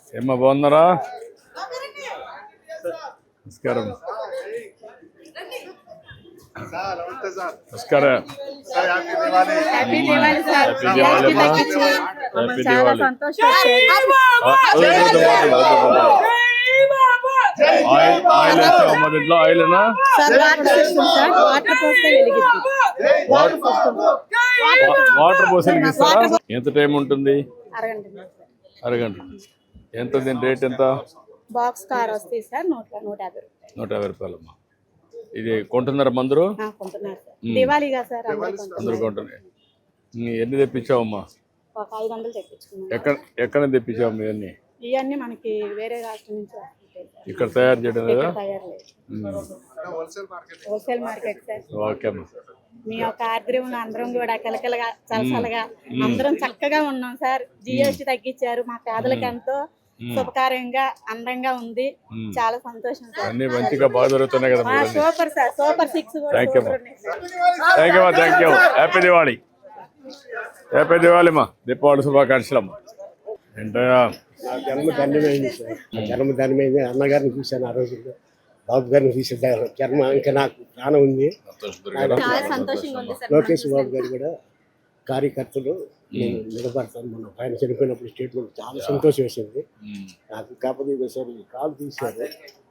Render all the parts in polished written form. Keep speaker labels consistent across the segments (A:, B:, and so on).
A: ఏమ్మా బాగున్నారా? నమస్కారం. నమస్కారం.
B: Happy Diwali sir.
A: Happy Diwali. Oil వేస్తావమ్మా దీంట్లో? ఆయిల్నా? వాటర్ పోసి వెలిగిస్తారా? ఎంత టైం ఉంటుంది? అరగంట. ఎంత దీని రేట్ ఎంత?
B: బాక్స్ కార్ వస్తాయి సార్ 150.
A: 150 రూపాయలమ్మా. ఇది కొంటున్నారా మందరు?
B: దివాళీగా సార్
A: అందరు కొంటున్నాయి. ఎన్ని తెప్పించావమ్మా?
B: ఒక 500 తెప్పించుకున్నాం.
A: ఎక్కడ తెప్పించావు ఇవన్నీ?
B: ఇవన్నీ మనకి వేరే రాష్ట్రం నుంచి వస్తుంటాయి.
A: ఇక్కడ తయారు చేయడం లేదా?
B: తయారు లేదు, హోల్సేల్ మార్కెట్ సార్.
A: ఓకే అమ్మా.
B: మీ యొక్క ఆర్ద్రంలో అందరం కూడా కలకలగా చలసలగా అందరం చక్కగా ఉన్నాం సార్. జిఎస్టీ తగ్గించారు, మా పేదలకు ఎంతో శుభకార్యంగా అందంగా ఉంది. చాలా సంతోషం సార్.
A: అన్ని మంచిగా బాగా జరుగుతున్నాయి కదా?
B: Super sir. Super 6
A: thank you. Happy Diwali. Happy Diwali అమ్మా. దీపావళి శుభాకాంక్షలు అమ్మా. ఏంటయ్యా?
C: నా జన్మ ధన్యమైంది సార్. జన్మ ధన్యమైంది. అన్నగారిని చూశాను ఆ రోజుల్లో, బాబు గారిని చూసాను. జన్మ ఇంకా నాకు ప్రాణం ఉంది. లోకేష్ బాబు గారు కూడా కార్యకర్తలు నేను నిలబడతాను. మొన్న ఆయన చనిపోయినప్పుడు స్టేట్మెంట్ చాలా సంతోషం వేసింది నాకు. కాకపోతే ఒకసారి కాలు తీశారు.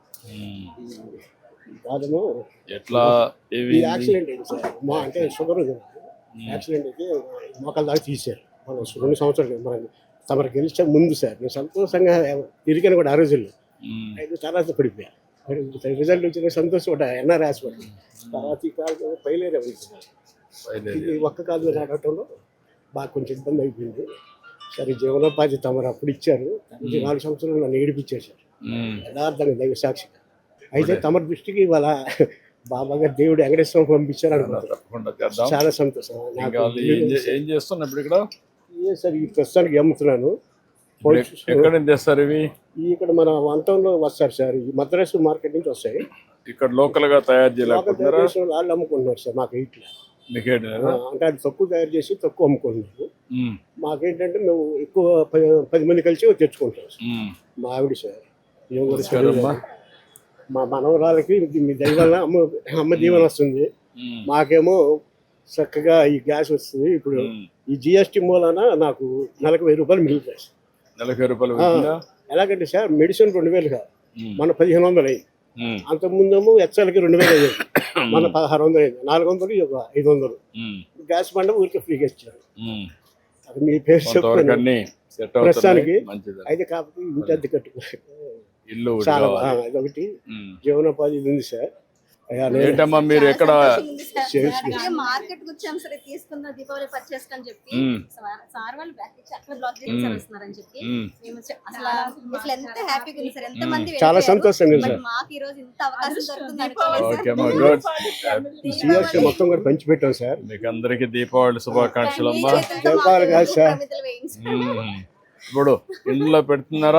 C: కాదము
A: ఎట్లా
C: యాక్సిడెంట్ అయింది సార్. మా అంటే షుగర్ యాక్సిడెంట్ అయితే మోకాల దాకా తీశారు. మనం 2 సంవత్సరాలు మన తమరు గెలిచే ముందు సార్. నేను సంతోషంగా తిరిగాను కూడా ఆ రోజుల్లో. అయితే తర్వాత పడిపోయా. రిజల్ట్ వచ్చిన సంతోషం కూడా ఎన్ఆర్ హాస్పిటల్. తర్వాత ఈ కాలు పైలేరే ఇది ఒక్క కాలు నడవటంలో బాగా కొంచెం ఇబ్బంది అయిపోయింది. సరే జీవనోపాధి తమరు అప్పుడు ఇచ్చారు. 4 సంవత్సరాలు నన్ను ఏడిపించేశారు యథార్థంగా దైవ సాక్షిగా. అయితే తమ దృష్టికి ఇవాళ బాబా గారు దేవుడు వెంకటేశ్వరం పంపించారు అనుకుంటున్నాను. చాలా సంతోషం.
A: ఏం చేస్తున్నా ఇప్పుడు ఇక్కడ?
C: సార్ ఈ ప్రస్తుతానికి అమ్ముతున్నాను.
A: ఎక్కడ తెస్తారు ఇవి?
C: ఇక్కడ మన వంతంలో వస్తారు సార్. ఈ మద్రాసు మార్కెట్ నుంచి వస్తాయి.
A: ఇక్కడ లోకల్ గా తయారు చేయలేకపోతున్నారా?
C: వాళ్ళు అమ్ముకుంటున్నారు సార్. మాకు ఇట్లా అంటే అది తక్కువ తయారు చేసి తక్కువ అమ్ముకుంటున్నారు. మాకేంటంటే మేము ఎక్కువ 10 మంది కలిసి తెచ్చుకుంటాం సార్. మా ఆవిడ సార్, మా మనవరాలకి మీ దైవాల అమ్మ దీవెన వస్తుంది. మాకేమో చక్కగా ఈ గ్యాస్ వస్తుంది. ఇప్పుడు ఈ జిఎస్టీ మూలాన నాకు నెలకు 1000 రూపాయలు మిగులుతాయి సార్.
A: నెలకు 1000 రూపాయలు?
C: ఎలాగంటే సార్ మెడిసిన్ 2000 కాదు, మన 1500 అయింది. అంతకుముందేమో హెచ్ఎల్కి 2000 అయ్యేది, మన 1600 అయింది. 400 500. గ్యాస్ బండ ఊరికి ఫ్రీగా ఇచ్చారు. అది మీ పేరు చెప్తాను ప్రస్తుతానికి. అయితే కాకపోతే ఇంటి అద్దె కట్టుకోవాలి చాలా. అదొకటి జీవనోపాధి ఉంది సార్.
A: ఏంటమ్మా మీరు ఎక్కడ
D: మార్కెట్ వచ్చాం సరే తీసుకున్న దీపావళి పర్చేస్ అని చెప్పి సార్ వాళ్ళు బ్యాక్ ఇచ్చి అక్కడ బ్లాక్ చేస్తారని చెప్పి మేము అసలు ఎంత హ్యాపీగా ఉంది సార్. ఎంత మంది
C: చాలా సంతోషంగా సార్.
D: మాకు ఈ రోజు ఇంత అవకాశం దొరుకుతుంది.
C: మొత్తం కూడా పంచి పెట్టాం సార్.
A: మీకు అందరికి దీపావళి శుభాకాంక్షలు అమ్మా.
C: దీపావళి కాదు సార్,
A: ఇప్పుడు ఇంట్లో పెడుతున్నారా?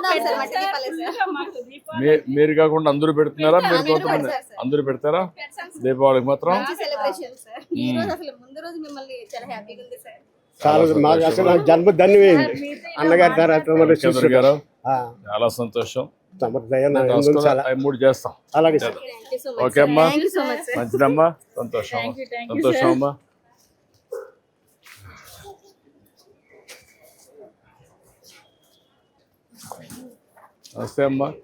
A: మీరు కాకుండా అందరూ పెడుతున్నారా? మీరు కొంతమంది అందరూ పెడతారా దీపావళికి మాత్రం?
C: చాలా మాకు అసలు నాకు జన్మ ధన్యమైంది. అన్నగారి తర్వాత
A: గారు చాలా సంతోషం. 3 చేస్తాం.
C: అలాగే సార్.
A: ఓకే అమ్మా, మంచిదమ్మా. సంతోషం సంతోషం అమ్మా. నమస్తే అమ్మా.